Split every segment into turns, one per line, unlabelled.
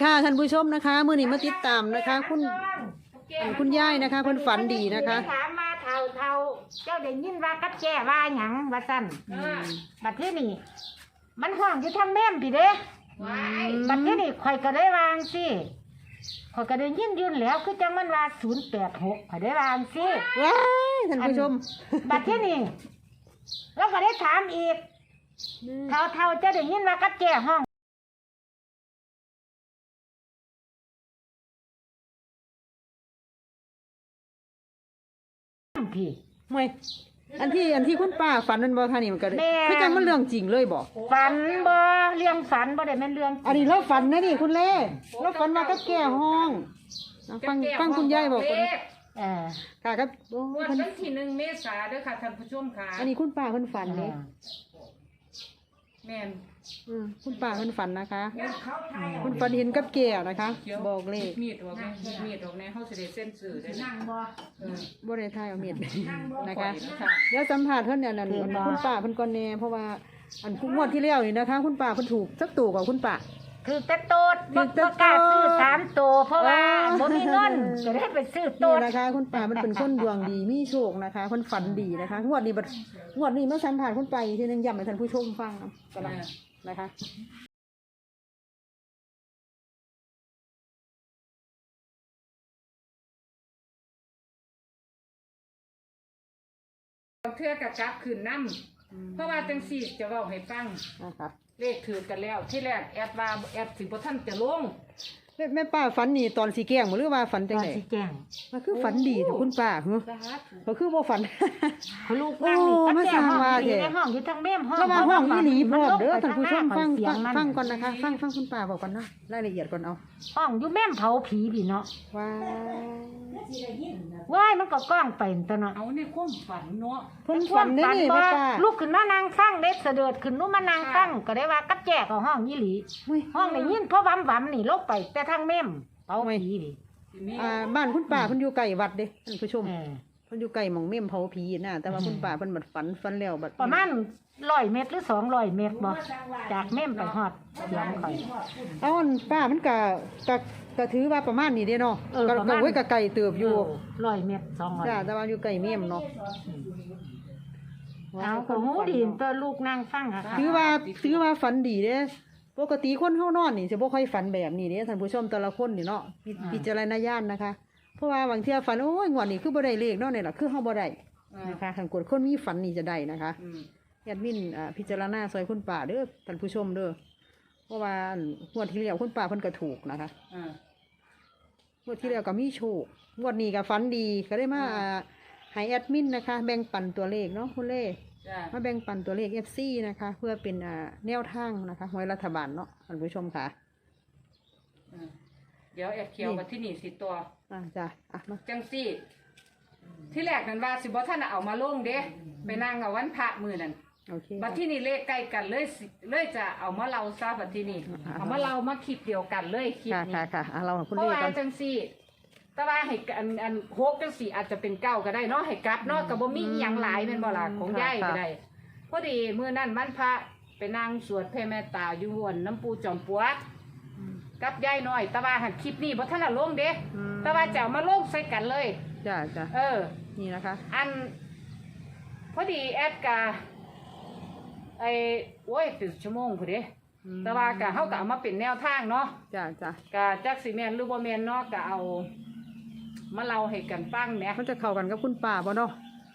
ค่ะท่านผู้ชมนะคะมื้อนี้มาติดตามนะคะคุณยายนะคะเพิ่นฝันดีนะคะ
ถามมาเท่าเจ้าได้ยินว่ากับแก่ว่าหยังว่าซั่นบัดที่นี่มันห้องอยู่ทางแม่มพี่เด้บัดที่นี่ข่อยก็ได้วางสิข่อยก็ได้ยินยืนแล้วคือจังมันว่า086ข่อยได้วางสิ
ว้ายท่านผู้ชม
บัดที่นี่แล้วก็ได้ถามอีกเท่าเจ้าได้ยินว่ากับแก่ห้องพี่
มวยอันที่คุณป้าฝันนั่นบ่ท่านี่มันก็คือจังมันเรื่องจริงเลยบ่
ฝันบ่เรื่องฝันบ่ได้แม่นเรื่อง
อันนี้เราฝันนะนี่คุณเล่เราฝันว่าก็แก่ห้องฟังคุณยายบอกคนค่ะครับ
วันที่1 เมษายนเด้อค่ะท่านผู้ชมค่ะ
อันนี้คุณป้าเพิ่นฝันเลย
แม่น
คุณป้าเพิ่นฝันนะคะคุณฝันเห็นกับแก่นะคะบอกเลข
มีดออกแน่เฮาสิได้เซ็นชื่อได้นั่ง
บ่ได้ทายเอามีดนะคะเดี๋ยวสัมภาษณ์เพิ่นเนี่ยนั่นคุณป้าเพิ่นก่อนแน่เพราะว่าอันงวดที่แล้วนี่นะคะคุณป้าเพิ่นถูกสักตู่กับคุณป้า
คือแต่โตดบ่กล้าซื้อ3ตัวเพราะว่าบ่มีเงินก็ได้ไปซื้อโตด
นะคะคุณป้ามันเป็นคนดวงดีมีโชคนะคะคนฝันดีนะคะงวดนี้เมื่อสัมภาษณ์คุณป้าทีนึงย้ำให้ท่านผู้ชมฟังกันนะคะ
เทื่อกะกลับคืนนำเพราะว่าจังซี่จะเว้าให้ฟัง
นะคะ
เลขถือกันแล้วที่แรกแอดว่าแอดสิบ่ทันจะลง
แม่ป้าฝันนี่ตอนสีแกงหรือว่าฝันจังได๋
สีแกง
มันคือฝันดีแต่คุณป้าก็คือบ่ฝัน
ลูกนั่งนี่
มาสร้างว่าแท้
ในห้องอยู่ทางแม่ห้อง
ระหว่างห้องอีหลีพร้อมเด้อท่านผู้ชมฟังก่อนนะคะฟังคุณป้าบอกก่อนเนาะรายละเอียดก่อนเอา
ห้องอยู่แม่เผาผีพี่เนาะว้ายมันก็ก้องไปตัวเนาะ
เอาในความฝันเนาะ
คนฝันได้นี่ป้า
ลูกขึ้นมานางฟังเด็กเสด็จขึ้นนู้มานางฟังก็ได้ว่ากับแจกของห้องอีหลีห้องได้ยินเพราะวำนี่ลบไปแต่ทางแม่เผาผีนี่
บ้านคุณป้าเพิ่นอยู่ไกลวัดเด้ท่านผู้ชมเพิ่นอยู่ไกลหม่องแม่เผาผีน่ะแต่ว่าคุณป้าเพิ่นบัดฝันแล้วบัด
ประมาณ100 เมตรหรือ200 เมตรบ่จากแม่ไปฮอดเสียงข่อย
เอาป้ามันก็ถือว่าประมาณนี้เด้เนาะก็ไว้ก็ไกลเติบอยู่
100 เมตร200
จ้าแต่ว่าอยู่ไกลแม่เนาะ
เอาของหูดีตัวลูกนั่งฟังค่ะ
ถือว่าฝันดีเด้ปกติคนเฮานอนนี่สิบ่ค่อยฝันแบบนี้เด้ท่านผู้ชมแต่ละคนนี่เนาะพิจารณญาณนะคะเพราะว่าบางเที่ยฝันโอ้ยงวดนี้คือบ่ได้เลขเนาะนี่ล่ะคือเฮาบ่ได้นะคะทางกฎคนมีฝันนี่จะได้นะคะแอดมินพิจารณาซอยคุณป้าเด้อท่านผู้ชมเด้อเพราะว่างวดที่แล้วคุณป้าเพิ่นก็ถูกนะคะงวดที่แล้วก็มีโชคงวดนี้ก็ฝันดีก็ได้มาให้แอดมินนะคะแบ่งปันตัวเลขเนาะคุณเล่มาแบ่งปันตัวเลข FC นะคะเพื่อเป็นแนวทางนะคะหวยรัฐบาลเนาะท่านผู้ชมค่ะ
เดี๋ยวแอดเขียวมาที่นี่สิตัว
จ้ะ
มาจังซี่ที่แรกนั้นว่าสิบ่ท่านเอามาลงเด้ไปนั่งเอาวันพระมื้อนั้นบัดที่นี่เลขใกล้กันเลยจะเอามาเล่าซะบัดที่นี่เอามาเล่ามาคลิปเดียวกันเลยคลิปนี้
ค่ะเราคุณ
เล่กันเพราะว่าจังซี่แต่ว่าให้อันโฮกจังซี่อาจจะเป็น9ก็ได้เนาะให้กลับเนาะก็บ่มีอีหยังหลายแม่นบ่ล่ะของยายก็ได้พอดีมื้อนั้นวันพระไปนั่งสวดแผ่เมตตาอยู่วนน้ำปูจอมปลวกกับยายน้อยแต่ว่าหันคลิปนี้บ่ทันละลงเด้แต่ว่าจะเอามาลงใส่กันเลย
จ้ะนี่นะคะ
อันพอดีแอดกะโอ้ยตื่นชั่วโมงพอดีแต่ว่ากะเฮาก็เอามาเป็นแนวทางเนาะ
จ้ะ
กะจักสิแม่นหรือบ่แม่นเนาะกะเอามาเล่าให้กันฟังแหม
มันจะเข้ากันกับคุณป้าบ่เนาะ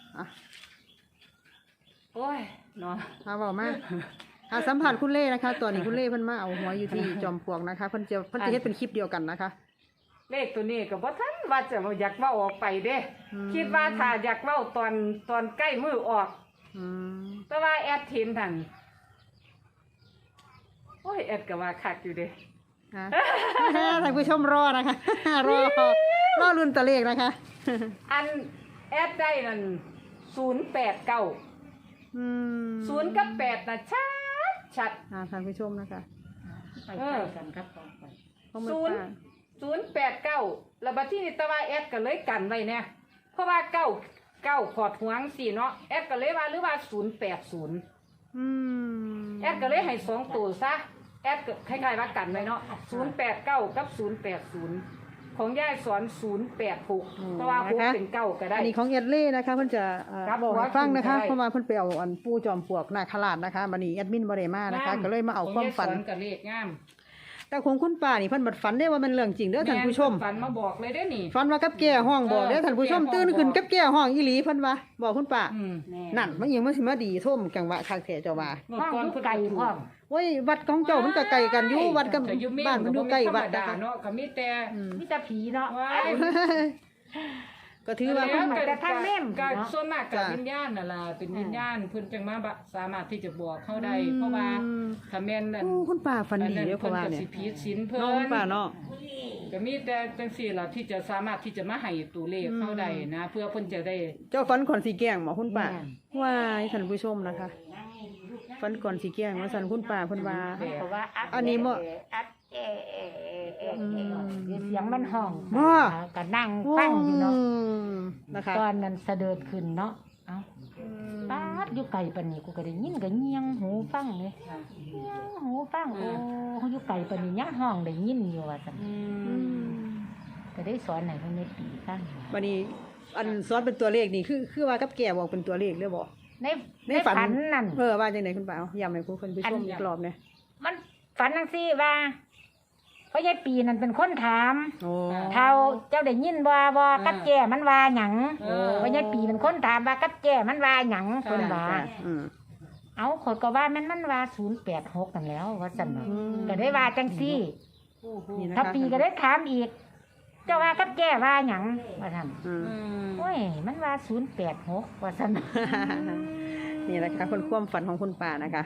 โอ้ยเนาะ
เว้ามาสัมผัสคุณเล่นะคะตอนนี้คุณเล่เพิ่นมาเอาหัวอยู่ที่จอมปลวกนะคะเพิ่นจะเฮ็ดเป็นคลิปเดียวกันนะคะ
เลขตัวนี้ก็บ่ทันว่าจะอยากเว้าออกไปเด้คิดว่าถ้าอยากเว้าตอนใกล้มือออกแต่ว่าแอดเห็นทันโอ้ยแอดก็ว่าคักอยู่เด้
ท่านผู้ชมรอนะคะรอรุ่นตัวเลขนะคะ
อันแอดได้นั่น089 0 กับ 8น่ะชัด
ท่านผู้ชมนะคะ
ไปกันครับ
089แล้วบัดที่นี่ตะว่าแอดก็เลยกันไว้เนี่ยเพราะว่า9ขอดหวงสิเนาะแอดก็เลยว่าหรือว่า080แอดก็เลยให้2ตัวซะแแอดก็คล้ายๆว่ากันไว้เนาะ089กับ080ของยายสอน086เพราะว่า6เป็น9ก็ได้
อันนี้ของเอ็ดเล่นะคะเพิ่นจะ
ครับ
บอกให้ฟังนะคะ
ได้
เพราะว่าเพิ่นไปเอาอันปูจอมปลวกนาคราชนะคะบัดนี้แอดมินบ่ได้มานะคะ ก็เลยมาเอาความฝัน
ของยายสอนกับเลขงาม
แต่ของคุณป้านี่เพิ่นบัดฝันได้ว่ามันเรื่องจริงเด้อท่านผู้ชม
แฝันมาบอกเลยเด้อนี่
ฝันว่ากับแก่ห้องบอกเด้อท่านผู้ชม
กับแก่ห้อง
ตื่นขึ้น
บอก
กับแก่ห้องอีหลีเพิ่นว่าบอกคุณป้า
อืม
นั่นมันยังมันสิมาดีท่วมจังหวะคักแท้เจ้าว่า
เมื่อ
ห้อง
ก่อน
อยู่
เพิ่น
ไกล
ถูก
พร้อม
โอ้ยวัดของเจ้ามันก็ไกลกันอยู่วัดกับ
แต่อยู่เมฆ
บ้านมันอยู่ใกล้วัด
ธร
นะ
รม
คะ
เนาะก็มีแต่
มีแต่ผีเนาะ
ว้าย
ก็ถือว่า
แล้ว แต่ทางเม่ม
ก็
เนาะ
ส่วนมากกับ
จ้ะ
วิญญาณน่ะล่ะเป็นวิญญาณเพิ่นจังมาสามารถที่จะบอกเขาได้เพราะว่าถ้าแม่นนั่น
โอ้คุณป้าฝันดีเด้อเพ
เพิ่
ราะ
น
ว่า
ก็
เนี่ย
สิผิดศีลเพิ่น
น้องคุณป้าเนาะ
ก็มีแต่จังซี่ล่ะที่จะสามารถที่จะมาให้ตัวเลขเขาได้นะ เพื่อเพิ่นจะได้
เจ้าฝันก่อนสีแกล้งหมอคุณป้า
แม่น
ว้ายท่านผู้ชมนะคะฝันก่อนสีแกล้งว่าสันคุณป้าเพิ่นว่า
เพราะว่า
อันนี้บ่
อัดเสียงมันห้อง
บ่
ก็นั่งฟังอยู่เนาะ
นะคะ
ตอนนั้นเสด็จขึ้นเนาะเอ้าปาดอยู่ไกลปานนี้กูก็ได้ยินก็เงียงหูฟังเลยเงียงหูฟังโอ้อยู่ไกลปานนี้ยังห้องได้ยินอยู่ว่าซั่นก็ได้สอนให้เพิ่นได้ตีฟัง
วันนี้อันซ้อนเป็นตัวเลขนี่คือว่ากับแก่บอกเป็นตัวเลขหรือบ่
ใน
ในฝัน
นั่น
ว่าจังไดคุณป้าเอาย้ำให้ผู้คนผู้ชมอีกรอบเนี่ย
มันฝันจังซี่ว่าเพราะยายปีนั่นเป็นคนถาม
โอ้
เท่าเจ้าได้ยินว่ากับแก่มันว่าหยัง
เออ
เพราะยายปีเป็นคนถามว่ากับแก่มันว่าหยังเพิ่นว่า
อืม
เอาขอยก็ว่ามันว่า086นั่นแหล้วว่าซั่นเนาะ
อืม
ก็ได้ว่าจังซี่
นี่นะคะ
ถ้าปีก็ได้ถามอีก เจ้าว่ากับแก่ว่าหยังว่าซั่น
อืม
โอ้ยมันว่า086ว่าซั่น
นี่แหละค่ะคนความฝันของคุณป้านะคะ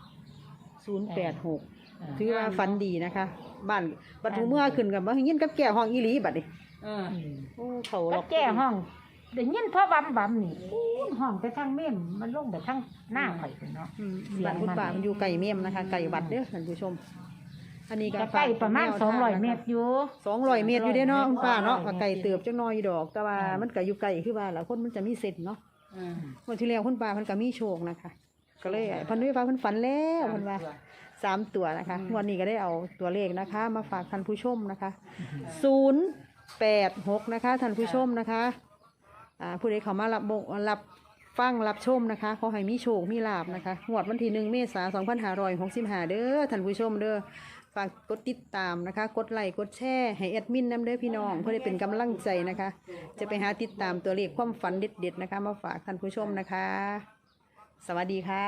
086ถือว่าฝันดีนะคะ บ้านบัดหูเมื่อขึ้นกับว่ายินกับแก่ห้องอีหลีบัดนี้
เออ
โอ้เขาหร
กั
อบ ก
แก่ห้องได้ยินพ่อบำนี่อู้ห้องไปทางเม่มมันลงไปทางหน้าข่อยพุ่นเนาะ
บ้านคุณป้ามันอยู่ไกลเมี่ยมนะคะไกลวัดเด้อท่านผู้ชม อันนี้ก็
ก็ใกล้ประมาณ200เมตรอยู่
200 เมตรอยู่เด้อเนาะคุณป้าเนาะก็ไกลเติบจังน้อยอยู่ดอก แต่ว่ามันก็อยู่ไกลคือว่าแล้วคนมันจะมีเส้นเนาะ วันที่แล้วคุณป้าเพิ่นก็มีโชคนะคะ ก็เลยเพิ่นว่าเพิ่นฝันแล้วเพิ่นว่า3 ตัวนะคะวันนี้ก็ได้เอาตัวเลขนะคะ มาฝากท่านผู้ชมนะคะ086นะคะท่านผู้ชมนะคะผู้ใดเข้ามารับฟังรับชมนะคะขอให้มีโชคมีลาภนะคะงวดวันที่1 เมษายน 2565เด้อท่านผู้ชมเด้อฝากกดติดตามนะคะ กดไลค์กดแชร์ให้แอดมินนำเด้อพี่น้องเพื่อได้เป็นกำลังใจนะคะ จะไปหาติดตามตัวเลขความฝันเด็ดๆนะคะ มาฝากท่านผู้ชมนะคะ สวัสดีค่ะ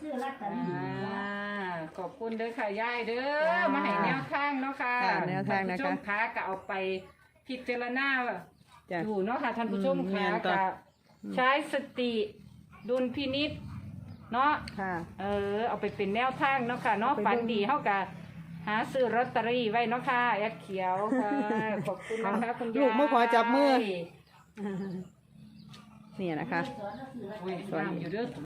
ขอบคุณเด้อค่ะยายเด้อมาให้แนวทางเนาะค่ะ
ค่ะแนวทางนะคะ
ท่านผู้ชมคะก็เอาไปพิจารณา
จ้ะ
อยู่เนาะค่ะท่านผู้ชม
แม่
ค่ะ
นต่อ
ก็ใช้สติดุลพินิษเนาะ
ค่ะ
เอาไปเป็นแนวทางเนาะค่ะเนาะ
เอาไป
ฝัน
เบิ่ง
ดีเฮากะหาซื้อลอตเตอรี่ไว้เนาะค่ะแอดเขียวค่ะขอบคุณนะคะคุณยาย
ลูกมาขอจับมือ นี่นะคะ
โอ้ยงามอยู่เด้อ